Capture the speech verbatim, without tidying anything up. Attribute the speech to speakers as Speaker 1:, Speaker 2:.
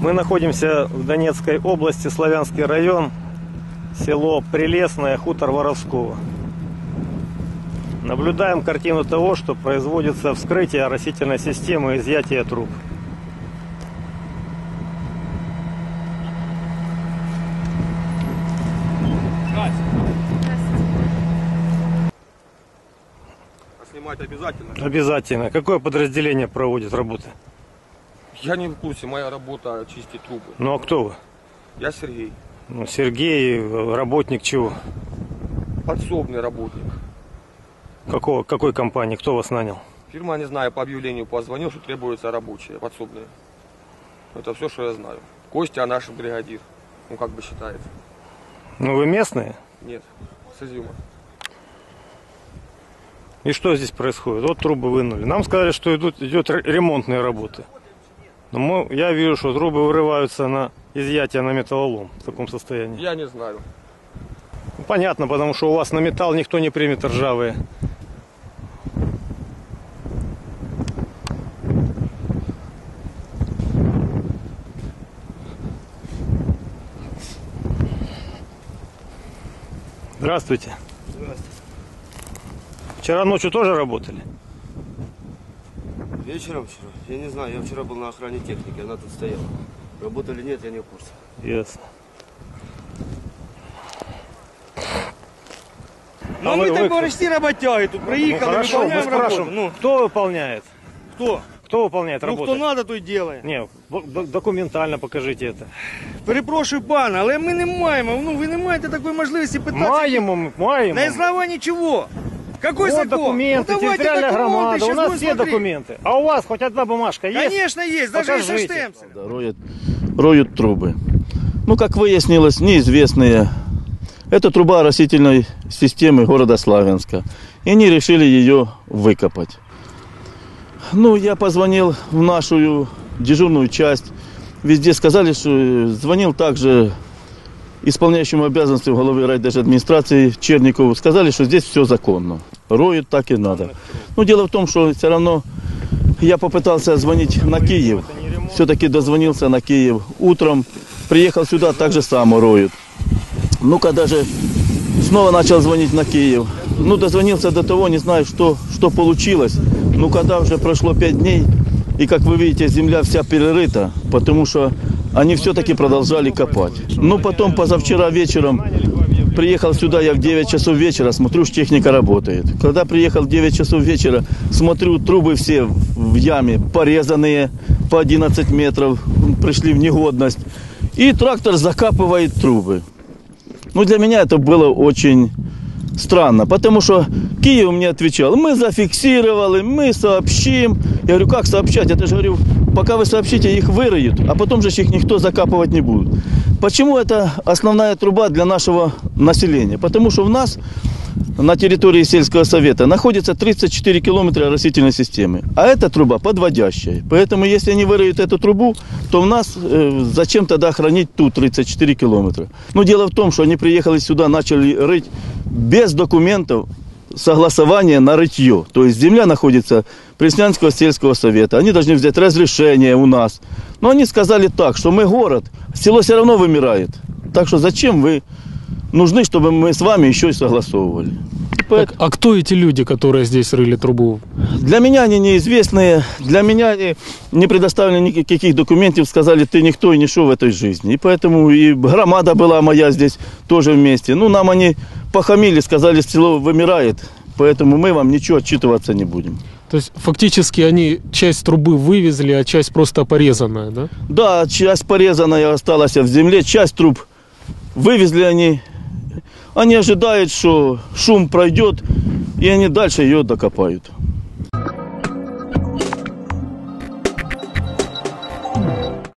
Speaker 1: Мы находимся в Донецкой области, Славянский район, село Прелесное, хутор Воровского. Наблюдаем картину того, что производится вскрытие оросительной системы и изъятие труб.
Speaker 2: Снимать обязательно?
Speaker 1: Обязательно. Какое подразделение проводит работы?
Speaker 2: Я не в курсе, моя работа чистить трубы.
Speaker 1: Ну а кто вы?
Speaker 2: Я Сергей.
Speaker 1: Ну, Сергей, работник чего?
Speaker 2: Подсобный работник.
Speaker 1: Какого, какой компании? Кто вас нанял?
Speaker 2: Фирма, не знаю, по объявлению позвонил, что требуются рабочие, подсобные. Это все, что я знаю. Костя наш бригадир. Ну, как бы считается.
Speaker 1: Ну, вы местные?
Speaker 2: Нет, с Изюма.
Speaker 1: И что здесь происходит? Вот трубы вынули. Нам сказали, что идут, идет ремонтные работы. Но мы, я вижу, что трубы вырываются на изъятие на металлолом в таком состоянии.
Speaker 2: Я не знаю.
Speaker 1: Ну, понятно, потому что у вас на металл никто не примет ржавые. Здравствуйте.
Speaker 3: Здравствуйте.
Speaker 1: Вчера ночью тоже работали?
Speaker 3: Вечером вчера? Я не знаю, я вчера был на охране техники, она тут стояла. Работали нет, я не в курсе.
Speaker 1: Ясно.
Speaker 3: Ну
Speaker 1: а
Speaker 3: мы
Speaker 1: вы,
Speaker 3: так
Speaker 1: вы...
Speaker 3: почти работяги, тут приехали,
Speaker 1: ну, хорошо, мы
Speaker 3: выполняем работу.
Speaker 1: спрашиваем,
Speaker 3: Ну,
Speaker 1: кто выполняет?
Speaker 3: кто?
Speaker 1: Кто выполняет
Speaker 3: Ну
Speaker 1: работу?
Speaker 3: хто надо, той делає.
Speaker 1: Не, документально покажите это.
Speaker 3: Перепрошую, пане, але ми не маємо, ну ви не маєте такої можливості питати.
Speaker 1: Маємо, ми, маємо.
Speaker 3: На основании чего? Какой
Speaker 1: Вот
Speaker 3: закон?
Speaker 1: документы,
Speaker 3: Ну, давайте
Speaker 1: территориальная
Speaker 3: документы,
Speaker 1: громада, у
Speaker 3: сейчас
Speaker 1: нас
Speaker 3: будем
Speaker 1: все
Speaker 3: смотреть.
Speaker 1: документы. А у вас хоть одна бумажка есть?
Speaker 3: Конечно есть, даже и со
Speaker 1: Покажите.
Speaker 3: штемпелем.
Speaker 4: Да, роют, роют трубы. Ну, как выяснилось, неизвестные. Это труба оросительной системы города Славянска. И они решили ее выкопать. Ну, я позвонил в нашу дежурную часть. Везде сказали, что звонил также исполняющему обязанности главы райдержадминистрации Черникову. Сказали, что здесь все законно. Роют так и надо. Но дело в том, что все равно я попытался звонить на Киев. Все-таки дозвонился на Киев утром. Приехал сюда, так же само роют. Ну, когда же снова начал звонить на Киев. Ну, дозвонился до того, не знаю, что, что получилось. Ну, когда уже прошло пять дней, и, как вы видите, земля вся перерыта, потому что они все-таки продолжали копать. Ну, потом позавчера вечером приехал сюда, я в девять часов вечера, смотрю, что техника работает. Когда приехал в девять часов вечера, смотрю, трубы все в яме порезанные по одиннадцать метров, пришли в негодность. И трактор закапывает трубы. Ну, для меня это было очень странно, потому что Киев мне отвечал: мы зафиксировали, мы сообщим. Я говорю, как сообщать? Это же, говорю, пока вы сообщите, их выроют, а потом же их никто закапывать не будет. Почему это основная труба для нашего населения? Потому что у нас на территории сельского совета находится тридцать четыре километра оросительной системы, а эта труба подводящая. Поэтому, если они выроют эту трубу, то у нас э, зачем тогда хранить тут тридцать четыре километра? Но дело в том, что они приехали сюда, начали рыть без документов согласования на рытье. То есть земля находится Преснянского сельского совета. Они должны взять разрешение у нас. Но они сказали так, что мы город, село все равно вымирает. Так что зачем вы нужны, чтобы мы с вами еще и согласовывали?
Speaker 5: Так, а кто эти люди, которые здесь рыли трубу?
Speaker 4: Для меня они неизвестные, для меня они не предоставили никаких документов, сказали, ты никто и ничего в этой жизни. И поэтому и громада была моя здесь тоже вместе. Ну, нам они похамили, сказали, село вымирает, поэтому мы вам ничего отчитываться не будем.
Speaker 5: То есть фактически они часть трубы вывезли, а часть просто порезанная, да?
Speaker 4: Да, часть порезанная осталась в земле, часть труб вывезли они. Они ожидают, что шум пройдет, и они дальше ее докопают.